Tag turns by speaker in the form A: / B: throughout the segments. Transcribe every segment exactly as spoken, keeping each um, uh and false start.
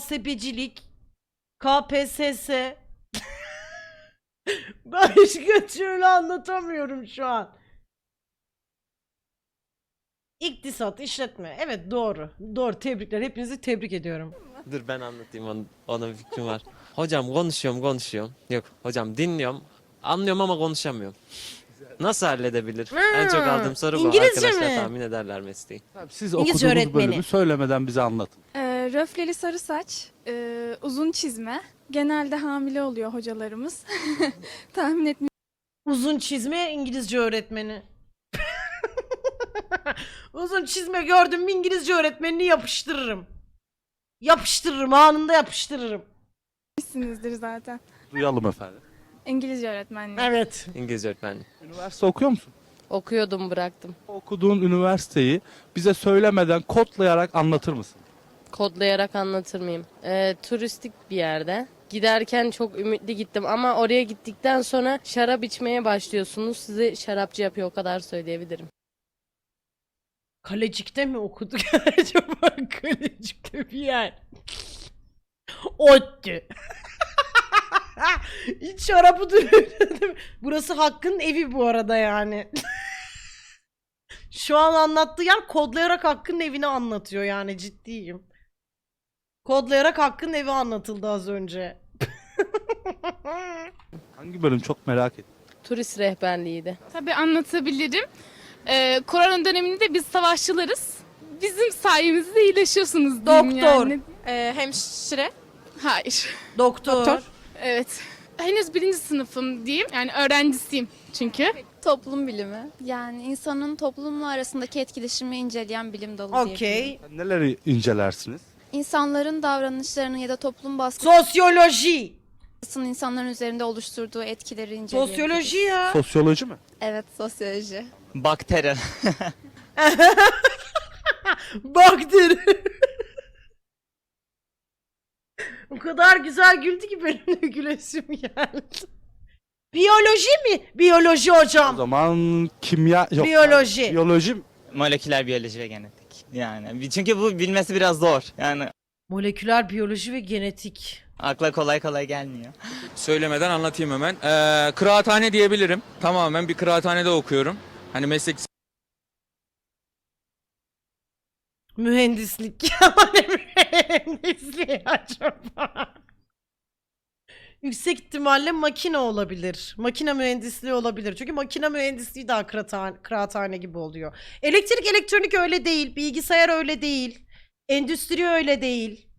A: muhasebecilik, K P S S. Başka türlü anlatamıyorum şu an. İktisat, işletme. Evet, doğru. Doğru, tebrikler. Hepinizi tebrik ediyorum.
B: Dur ben anlatayım, onun, onun fikrim var. Hocam konuşuyorum konuşuyorum. Yok hocam dinliyorum. Anlıyorum ama konuşamıyorum. Nasıl halledebilir? En çok aldığım soru bu.
A: İngilizce
B: Arkadaşlar
A: mi?
B: tahmin ederler mesleği.
C: Siz
A: İngilizce
C: okuduğunuz
A: öğretmeni.
C: bölümü söylemeden bize anlatın.
D: Ee, röfleli sarı saç, e, uzun çizme. Genelde hamile oluyor hocalarımız. Tahmin etmiyorum.
A: Uzun çizme İngilizce öğretmeni. Uzun çizme gördüm mü İngilizce öğretmenini yapıştırırım. Yapıştırırım, anında yapıştırırım.
D: Bilmişsinizdir zaten.
C: Duyalım efendim.
D: İngilizce öğretmenliği.
A: Evet.
B: İngilizce öğretmenliği.
C: Üniversite okuyor musun?
E: Okuyordum, bıraktım.
C: Okuduğun üniversiteyi bize söylemeden kodlayarak anlatır mısın?
E: Kodlayarak anlatır mıyım? Ee, turistik bir yerde. Giderken çok ümitli gittim ama oraya gittikten sonra şarap içmeye başlıyorsunuz. Sizi şarapçı yapıyor, o kadar söyleyebilirim.
A: Kalecik'te mi okuduk acaba? Kalecik'te bir yer. Otti. Hiç şarabı duruyor. Burası Hakkı'nın evi bu arada yani. Şu an anlattığı yer kodlayarak Hakkı'nın evini anlatıyor yani, ciddiyim. Kodlayarak Hakkı'nın evi anlatıldı az önce.
C: Hangi bölüm çok merak ettim.
E: Turist rehberliğiydi.
F: Tabii anlatabilirim. Ee, korona döneminde biz savaşçılarız. Bizim sayemizde iyileşiyorsunuz diyeyim
A: Doktor.
F: yani.
G: Ee, hemşire.
F: Hayır.
A: Doktor.
G: Doktor.
F: Evet. Henüz birinci sınıfım diyeyim. Yani öğrencisiyim çünkü.
G: Toplum bilimi. Yani insanın toplumla arasındaki etkileşimi inceleyen bilim dalı diyebilirim.
A: Okey.
C: Sen neleri incelersiniz?
G: İnsanların davranışlarını ya da toplum
A: Sosyoloji.
G: baskısının insanların üzerinde oluşturduğu etkileri inceleyebiliriz.
A: Sosyoloji ya.
C: Sosyoloji mi?
G: Evet, sosyoloji.
H: Bakteri.
A: Bakteri. O kadar güzel güldü ki benim de gülesim geldi. Biyoloji mi? Biyoloji
C: O
A: hocam.
C: zaman kimya... Yok.
A: Biyoloji.
C: Biyoloji mi?
H: Moleküler biyoloji ve genetik. Yani çünkü bu bilmesi biraz zor. Yani
A: Moleküler biyoloji ve genetik.
H: akla kolay kolay gelmiyor.
I: Söylemeden anlatayım hemen. Ee, kıraathane diyebilirim. Tamamen bir kıraathanede okuyorum. Hani meslek
A: Mühendislik. Ne mühendisliği acaba? Yüksek ihtimalle makine olabilir. Makine mühendisliği olabilir. Çünkü makine mühendisliği daha kıraathane, kıraathane gibi oluyor. Elektrik elektronik öyle değil. Bilgisayar öyle değil. Endüstri öyle değil.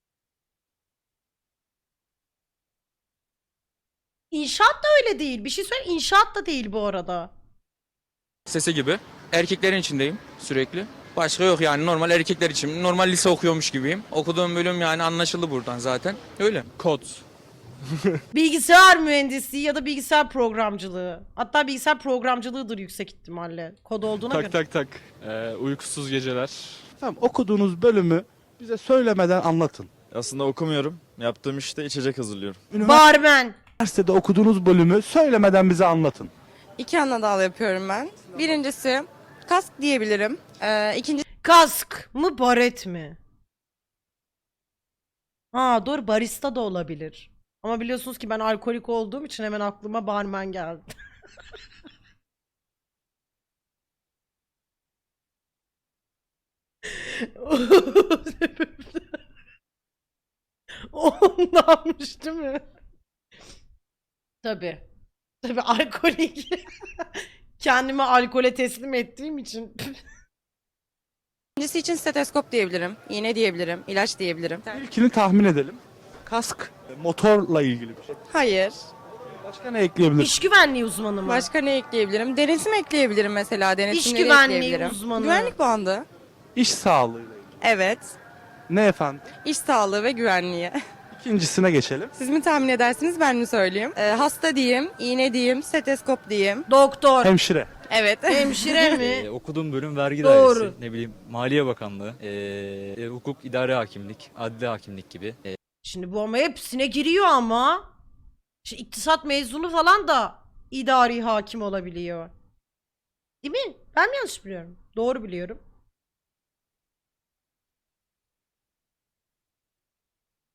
A: İnşaat da öyle değil. Bir şey söyle, inşaat da değil bu arada.
I: sesi gibi. Erkeklerin içindeyim sürekli. Başka yok yani, normal erkekler için. Normal lise okuyormuş gibiyim. Okuduğum bölüm yani anlaşıldı buradan zaten. Öyle. Kod.
A: Bilgisayar mühendisliği ya da bilgisayar programcılığı. Hatta bilgisayar programcılığıdır yüksek ihtimalle. Kod olduğuna göre.
J: Tak tak tak. Ee, uykusuz geceler.
C: Tamam, okuduğunuz bölümü bize söylemeden anlatın.
J: Aslında okumuyorum. Yaptığım işte içecek hazırlıyorum.
A: Barmen.
C: Üniversitede okuduğunuz bölümü söylemeden bize anlatın.
E: İki ana dal yapıyorum ben. Birincisi kask diyebilirim. Ee, ikincisi
A: Kask mı baret mi? Ha doğru, barista da olabilir. Ama biliyorsunuz ki ben alkolik olduğum için hemen aklıma barmen geldi. Ondanmış değil mi? Tabii. Tabii alkolik. Kendimi alkole teslim ettiğim için.
E: için steteskop diyebilirim. İğne diyebilirim. İlaç diyebilirim.
C: İlkini tahmin edelim. Kask, motorla ilgili bir şey.
E: Hayır.
C: Başka ne ekleyebiliriz?
A: İş güvenliği uzmanı mı?
E: Başka ne ekleyebilirim? Denetim ekleyebilirim mesela. Denetimleri
A: İş güvenliği
E: ekleyebilirim.
A: uzmanı.
E: Güvenlik bandı.
C: İş sağlığıyla ilgili.
E: Evet.
C: Ne efendim?
E: İş sağlığı ve güvenliği.
C: İkincisine geçelim.
E: Siz mi tahmin edersiniz, ben mi söyleyeyim? Ee, hasta diyeyim, iğne diyeyim, steteskop diyeyim.
A: Doktor.
C: Hemşire.
E: Evet.
A: Hemşire mi?
K: Ee, okuduğum bölüm vergi
A: Doğru.
K: dairesi, ne bileyim Maliye Bakanlığı, ee, e, hukuk, idare hakimlik, adli hakimlik gibi. Ee,
A: Şimdi bu ama hepsine giriyor ama. Şimdi iktisat mezunu falan da idari hakim olabiliyor. Değil mi? Ben mi yanlış biliyorum? Doğru biliyorum.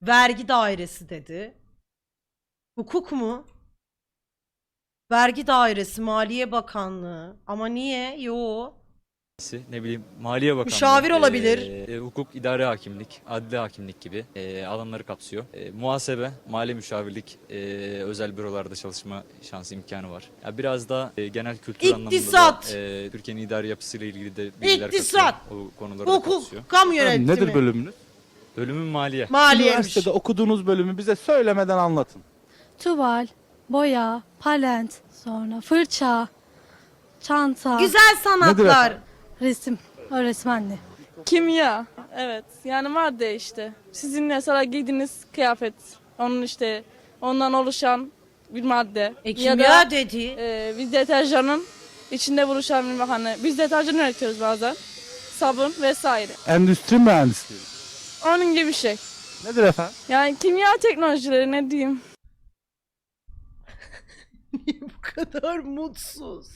A: Vergi dairesi dedi. Hukuk mu? Vergi dairesi, Maliye Bakanlığı. Ama niye? Yo.
K: Ne bileyim Maliye Bakanlığı.
A: Müşavir olabilir.
K: e, e, hukuk, idare hakimlik, adli hakimlik gibi e, alanları kapsıyor. E, muhasebe, mali müşavirlik, e, özel bürolarda çalışma şansı imkanı var. Ya biraz da e, genel kültür
A: İktisat.
K: anlamında da e, Türkiye'nin idari yapısıyla ilgili de bilgiler
A: İktisat.
K: katıyor. O konuları da kapsıyor.
A: Hukuk, kamu yönetimi.
C: Nedir bölümünüz?
K: Bölümün maliye.
A: Maliyemiş.
C: Üniversitede okuduğunuz bölümü bize söylemeden anlatın.
D: Tuval, boya, palent, sonra fırça, çanta,
A: Güzel sanatlar.
C: efendim?
D: resim, öğretmenli. Kimya, evet. Yani madde işte. Sizin mesela giydiğiniz kıyafet, onun işte ondan oluşan bir madde.
A: E
D: ya
A: kimya
D: da
A: dedi.
D: e, bir deterjanın içinde buluşan bir hani biz deterjan üretiyoruz bazen. Sabun vesaire.
C: Endüstri mühendisliği.
D: Onun gibi bir şey.
C: Nedir efendim?
D: Yani kimya teknolojileri ne diyeyim?
A: Niye bu kadar mutsuz?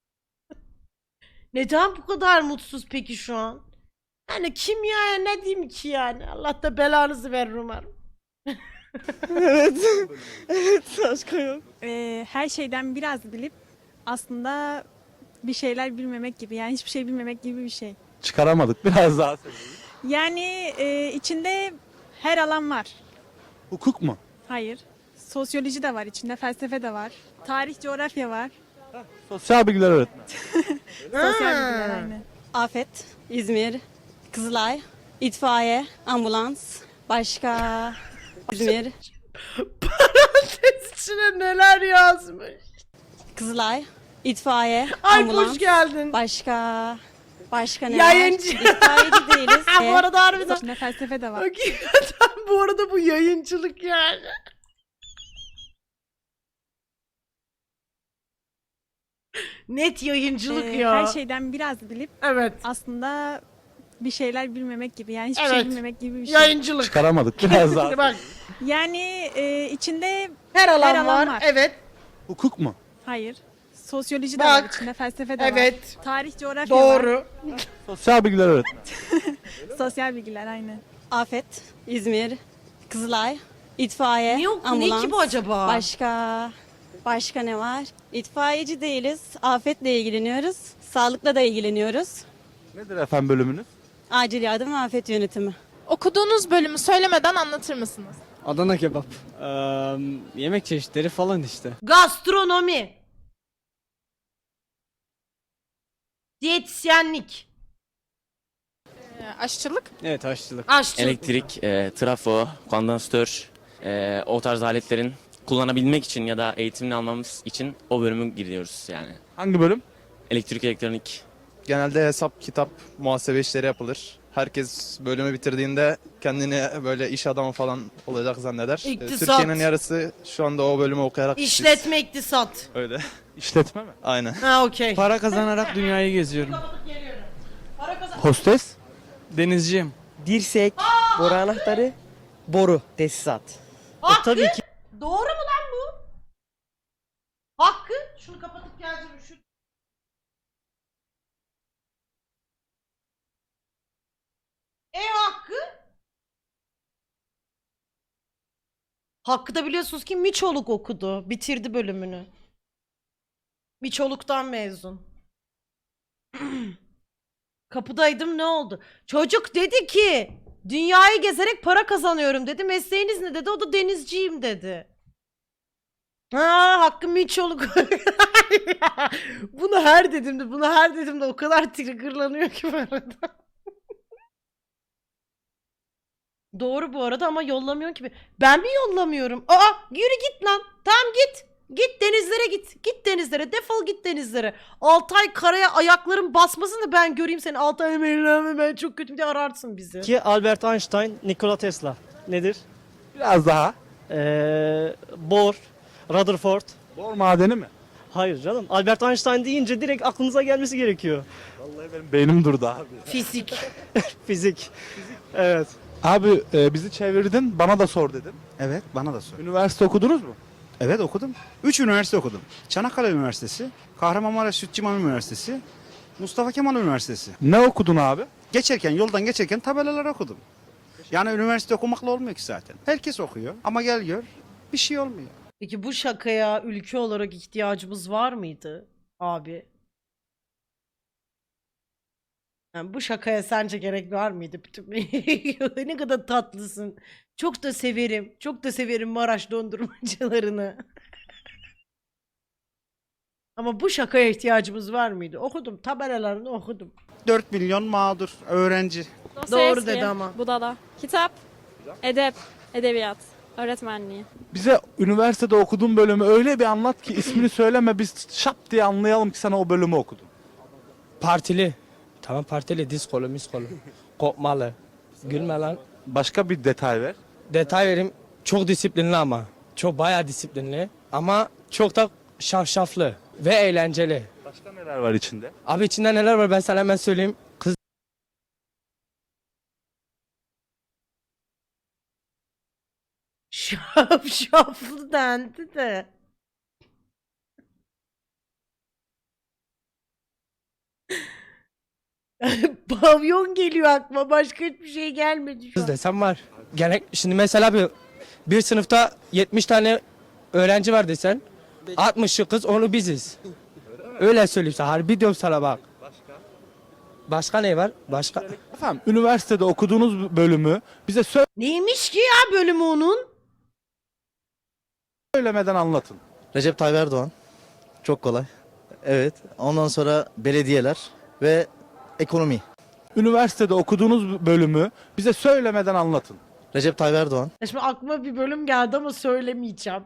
A: Neden bu kadar mutsuz peki şu an? Yani kimyaya ne diyeyim ki yani? Allah da belanızı verir umarım.
D: evet. evet başka yok.
L: Ee, her şeyden biraz bilip aslında bir şeyler bilmemek gibi, yani hiçbir şey bilmemek gibi bir şey.
C: Çıkaramadık. Biraz daha söyleyin.
L: Yani e, içinde her alan var.
C: Hukuk mu?
L: Hayır. Sosyoloji de var içinde, felsefe de var. Tarih, coğrafya var.
C: Sosyal bilgiler öğretmeni.
L: Sosyal bilgiler aynı.
E: Afet, İzmir, Kızılay, itfaiye, ambulans, başka İzmir,
A: Parantez içine neler yazmış.
E: Kızılay, itfaiye,
A: Ay hoş geldin.
E: başka başka
A: Yayıncı.
E: İtfaiyeci değiliz.
A: Bu arada harbiden.
L: İçinde felsefe de var.
A: Hakikaten bu arada bu yayıncılık yani. Net yayıncılık
L: Ee,
A: ya.
L: her şeyden biraz bilip
A: Evet.
L: aslında bir şeyler bilmemek gibi, yani hiçbir
A: Evet.
L: şey bilmemek gibi bir şey.
A: Yayıncılık.
C: Çıkaramadık. Biraz daha.
A: Bak
L: Yani e, içinde
A: her alan,
L: Her alan
A: var.
L: var.
A: Evet.
C: Hukuk mu?
L: hayır. Sosyoloji de
A: Bak.
L: var içinde, felsefe de var.
A: Evet.
L: Tarih, coğrafya var.
A: Doğru.
C: Sosyal bilgiler öğretmeni.
L: Sosyal bilgiler aynı.
E: Afet, İzmir, Kızılay, itfaiye,
A: Ne, oku-
E: ambulans,
A: ne ki bu acaba?
E: başka başka ne var? İtfaiyeci değiliz. Afetle ilgileniyoruz. Sağlıkla da ilgileniyoruz.
C: Nedir efendim bölümünüz?
E: Acil yardım ve afet yönetimi.
F: Okuduğunuz bölümü söylemeden anlatır mısınız?
H: Adana kebap. yemek çeşitleri falan işte.
A: Gastronomi. Diyetisyenlik.
F: Ee, aşçılık.
H: Evet aşçılık.
A: Aşçılık.
B: Elektrik, e, trafo, kondansatör, e, o tarz aletlerin kullanabilmek için ya da eğitimini almamız için o bölümü giriyoruz yani.
C: Hangi bölüm?
B: Elektrik, elektronik.
J: Genelde hesap, kitap, muhasebe işleri yapılır. Herkes bölümü bitirdiğinde kendini böyle iş adamı falan olacak zanneder. Ee,
A: İktisat.
J: Türkiye'nin yarısı şu anda o bölümü okuyarak işsiz.
A: İşletme, iktisat.
J: Öyle.
C: İşletme mi?
J: Aynen.
A: Ha okey.
H: Para kazanarak dünyayı geziyorum.
C: Hostes?
H: Denizciyim.
M: Dirsek, boru anahtarı, boru, tesisat.
A: Hakkı.
M: tabii ki.
A: Doğru mu lan bu? Hakkı. Şunu kapatıp geleceğim. Şu... E Hakkı. Hakkı da biliyorsunuz ki Miçoluk okudu. Bitirdi bölümünü. Miçoluk'tan mezun. Kapıdaydım, ne oldu? Çocuk dedi ki dünyayı gezerek para kazanıyorum dedi. Mesleğiniz ne dedi? O da denizciyim dedi. Ha, Hakkı Miçoluk. Bunu her dediğimde, bunu her dediğimde o kadar triggerlanıyor ki bu arada. Doğru bu arada ama yollamıyor ki. Ben mi yollamıyorum? Aa, yürü git lan. Tamam git. Git denizlere git. Git denizlere. Defol git denizlere. Altay karaya ayakların basmasın da ben göreyim seni. Altay emeğiyle ben çok kötü diye ararsın bizi.
M: Ki Albert Einstein, Nikola Tesla. Nedir?
C: Biraz daha.
M: Ee, Bohr, Rutherford.
C: Bor madeni mi?
M: Hayır canım. Albert Einstein deyince direkt aklınıza gelmesi gerekiyor.
C: Vallahi benim beynim durdu abi.
A: Fizik.
M: Fizik. Evet.
C: Abi e, bizi çevirdin, bana da sor dedin.
N: Evet, bana da sor.
C: Üniversite okudunuz mu?
N: Evet okudum. Üç üniversite okudum. Çanakkale Üniversitesi, Kahramanmaraş Sütçü İmam Üniversitesi, Mustafa Kemal Üniversitesi.
C: Ne okudun abi?
N: Geçerken, yoldan geçerken tabelalar okudum. Yani üniversite okumakla olmuyor ki zaten. Herkes okuyor ama gel gör bir şey olmuyor.
A: Peki bu şakaya ülke olarak ihtiyacımız var mıydı abi? Yani bu şakaya sence gerek var mıydı? Bütün ne kadar tatlısın. Çok da severim. Çok da severim Maraş dondurmacılarını. Ama bu şakaya ihtiyacımız var mıydı? Okudum. Tabelalarını okudum.
N: dört milyon mağdur öğrenci.
A: Doğru dedi ama.
L: Budala. Kitap, edep, edebiyat, öğretmenliği.
C: Bize üniversitede okuduğun bölümü öyle bir anlat ki ismini söyleme biz şap diye anlayalım ki sen o bölümü okudun.
M: Partili. Tamam partili. Diskolu, miskolu. Kopmalı. Gülme lan.
C: Başka bir detay ver.
M: Detay vereyim. Çok disiplinli ama. Çok bayağı disiplinli. Ama çok da şafşaflı. Ve eğlenceli.
C: Başka neler var içinde?
M: Abi içinde neler var ben sana hemen söyleyeyim. Kız
A: Şaf şaflı dendi de. Pavyon geliyor aklıma. Başka hiçbir şey gelmedi şu an.
M: desem var. Gerek şimdi mesela bir bir sınıfta yetmiş tane öğrenci var desen altmışı kız onu biziz. Öyle söyleyeyim sana. Harbi diyorum sana bak. Başka ne var? Başka
C: Efendim üniversitede okuduğunuz bölümü bize
A: Neymiş ki ya bölümü onun?
C: söylemeden anlatın.
J: Recep Tayyip Erdoğan. Çok kolay. Evet. Ondan sonra belediyeler ve ekonomi.
C: Üniversitede okuduğunuz bölümü bize söylemeden anlatın.
J: Recep Tayyip Erdoğan.
A: Ya Şimdi aklıma bir bölüm geldi ama söylemeyeceğim.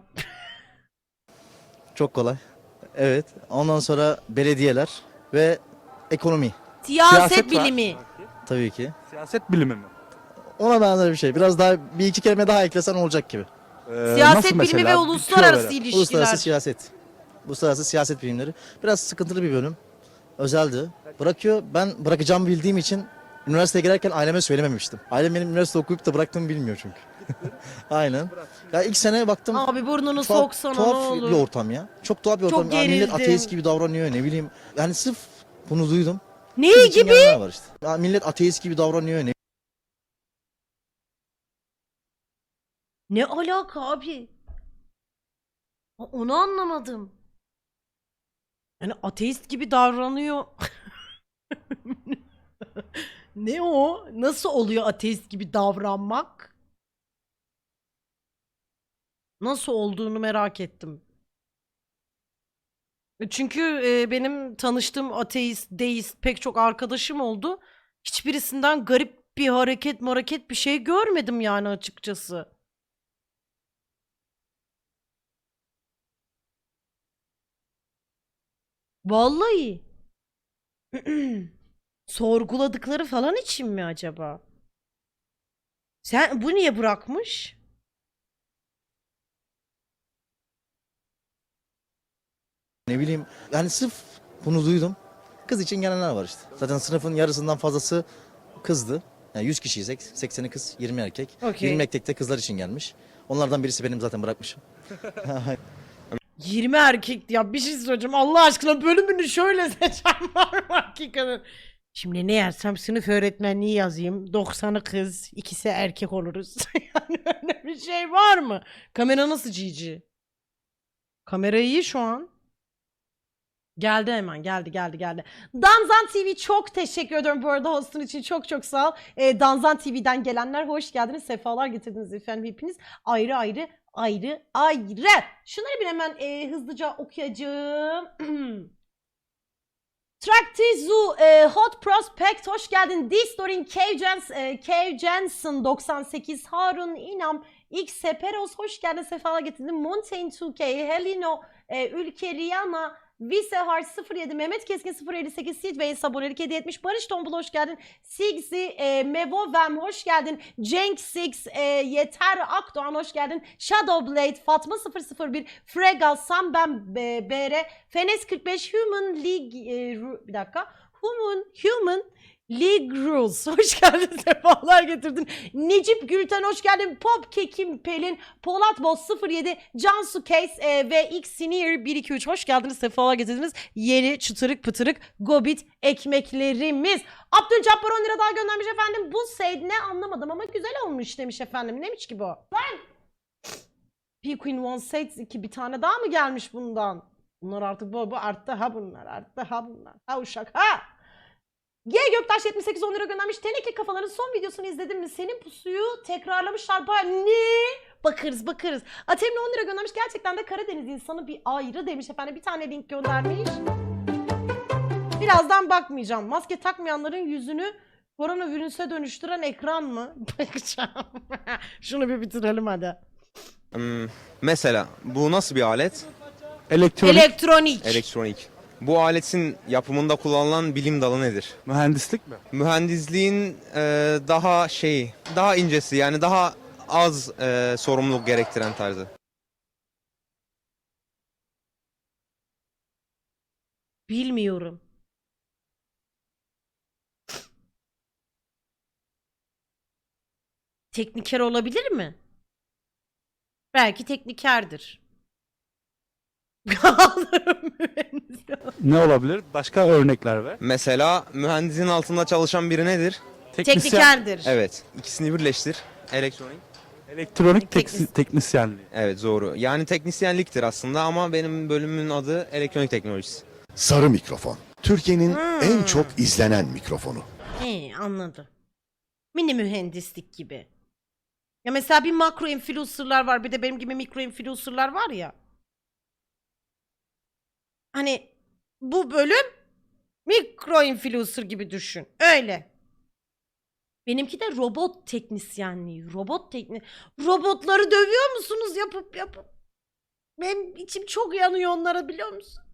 J: Çok kolay. Evet. Ondan sonra belediyeler ve ekonomi.
A: Siyaset,
C: Siyaset var.
A: bilimi.
J: Tabii ki.
C: Siyaset bilimi mi?
J: Ona benzer bir şey. Biraz daha bir iki kelime daha eklesen olacak gibi.
C: Ee,
A: Siyaset
C: nasıl
A: bilimi
C: mesela?
A: ve
C: Bir
A: uluslararası
C: tüyo verin.
A: ilişkiler.
J: Uluslararası siyaset. Uluslararası siyaset bilimleri. Biraz sıkıntılı bir bölüm. Özeldi. Bırakıyor. Ben bırakacağımı bildiğim için üniversiteye girerken aileme söylememiştim. Ailem benim üniversite okuyup da bıraktığımı bilmiyor çünkü. Aynen. Ya ilk sene baktım.
A: Abi burnunu
J: tuhaf,
A: soksana ne
J: tuhaf
A: olur.
J: bir ortam ya. Çok tuhaf bir
A: Çok
J: ortam. Ya millet
A: gerildim.
J: ateist gibi davranıyor ne bileyim. Yani sırf bunu duydum.
A: Ne
J: Kız için
A: gibi?
J: gelenler var işte. Ya millet ateist gibi davranıyor ne
A: Ne alaka abi? O- Onu anlamadım. Yani ateist gibi davranıyor. Ne o? Nasıl oluyor ateist gibi davranmak? Nasıl olduğunu merak ettim. Çünkü e, benim tanıştığım ateist, deist pek çok arkadaşım oldu. Hiçbirisinden garip bir hareket, hareket bir şey görmedim yani açıkçası. Vallahi. Sorguladıkları falan için mi acaba? Sen bu niye bırakmış?
J: ne bileyim. Yani sırf bunu duydum. Kız için gelenler var işte. Zaten sınıfın yarısından fazlası kızdı. Yani yüz kişiysek sekseni kız, yirmi erkek.
A: Okey.
J: yirmi erkek de kızlar için gelmiş. Onlardan birisi benim zaten bırakmışım.
A: yirmi erkek ya bir şey söyleyeceğim Allah aşkına bölümünü şöyle seçen var mı hakikaten? Şimdi ne yazsam sınıf öğretmenliği yazayım. doksanı kız, ikisi erkek oluruz. Yani öyle bir şey var mı? Kamera nasıl cici? Kamera iyi şu an. Geldi hemen geldi geldi geldi. Danzan T V çok teşekkür ediyorum bu arada hostun için çok çok sağ ol. Ee, Danzan T V'den gelenler hoş geldiniz. Sefalar getirdiniz efendim hepiniz. Ayrı ayrı ayrı ayrı. Şunları bir hemen e, hızlıca okuyacağım. Traktizu e, Hot Prospect hoş geldin. Distorin Cave Jens, e, Cave Jensen doksan sekiz Harun İnam X Seperos hoş geldin. Sefalar getirdin. Mountain iki K Helino e, Ülke Rihanna Visehar sıfır yedi Mehmet Keskin sıfır elli sekiz Sidways abonelik hediye etmiş. Barış Tombul hoş geldin. Sigzi e, Mevovem hoş geldin. Cenk Six e, Yeter Akdoğan hoş geldin. Shadowblade Fatma sıfır sıfır bir Frega Samben e, B R Fenes kırk beş Human League e, Ru- bir dakika Human Human League Rules. Hoş geldin. Sefalar getirdin. Necip Gülten hoş geldin. Pop Kekim Pelin. Polat Boz sıfır yedi. Cansu Case e, ve X Senior bir iki üç. Hoş geldiniz. Sefalar getirdiniz. Yeni çıtırık pıtırık Gobit ekmeklerimiz. Abdülcabbar on lira daha göndermiş efendim. Bu seyd ne anlamadım ama güzel olmuş demiş efendim. Neymiş ki bu? Lan! P-Queen One Sets iki bir tane daha mı gelmiş bundan? Bunlar artık bu, bu arttı ha bunlar. Arttı ha bunlar. Ha uşak ha! G Göktaş yetmiş sekiz on lira göndermiş. Teneke kafaların son videosunu izledin mi? Senin pusuyu tekrarlamışlar. Baya ne? Bakarız bakarız. Atemli on lira göndermiş. Gerçekten de Karadeniz insanı bir ayrı demiş efendim. Bir tane link göndermiş. Birazdan bakmayacağım. Maske takmayanların yüzünü koronavirüse dönüştüren ekran mı? Bakacağım. Şunu bir bitirelim hadi.
O: Hmm, mesela bu nasıl bir alet?
C: Elektronik,
A: Elektronik.
O: Elektronik. Bu aletin yapımında kullanılan bilim dalı nedir?
C: mühendislik mi?
O: Mühendisliğin e, daha şey, daha incesi yani daha az e, sorumluluk gerektiren tarzı.
A: Bilmiyorum. Tekniker olabilir mi? Belki teknikerdir.
C: Ne olabilir? Başka örnekler ver.
O: Mesela mühendisin altında çalışan biri nedir?
A: Teknikerdir.
O: Evet. İkisini birleştir. Elektronik.
C: Elektronik
A: Teknis-
C: teksi- teknisyenliği.
O: Evet doğru. Yani teknisyenliktir aslında ama benim bölümümün adı elektronik teknolojisi.
P: Sarı mikrofon. Türkiye'nin
A: Hmm.
P: en çok izlenen mikrofonu.
A: He, anladım. Mini mühendislik gibi. Ya mesela bir makro influencer'lar var, bir de benim gibi mikro influencer'lar var ya. Hani bu bölüm mikro influencer gibi düşün. Öyle. Benimki de robot teknisyenliği. Robot tekni Robotları dövüyor musunuz yapıp yapıp? Benim içim çok yanıyor onlara biliyor musun?